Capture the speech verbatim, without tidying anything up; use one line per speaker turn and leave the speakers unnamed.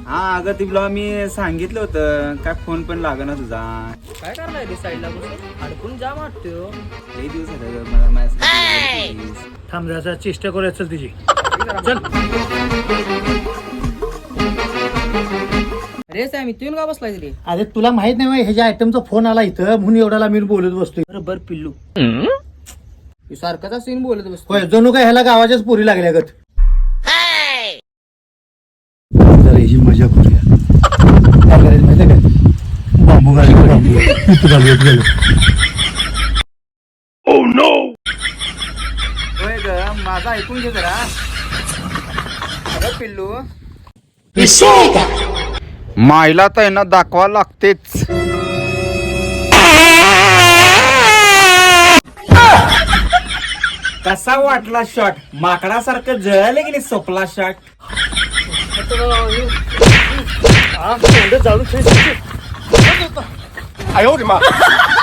हा अगं तिला मी सांगितलं होतं, काय फोन पण लागना तुझा.
काय करणार रे साईडला बसून अडकून जा वाटतो.
लई दिवस झाले मला माझ्यासाठी.
थांब जरा चेष्टा करूया चल तिची. चल
रे सामी तू येऊन का बसलाय रे?
अरे तुला माहित नाही ह्याच्या आयटमचा फोन आला इथं म्हणून एवढ्याला मी बोलत बसतोय.
बरोबर पिल्लू सारखाच असं बोलत बसतो.
होय जणू काय ह्याला गावाच्याच पोरी लागल्या गत. जरा ही मजा करूया. काय करायचं माहिती काय, बांबू घालून बांबू इथं घालूयात गेलो.
होय ग माझं ऐकून घे जरा. अगं पिल्लू माईला तर ना दाखवा लागतेच. कसा वाटला शॉट? माकडासारखं जळाले की नाही सोपला शॉट.
जाऊन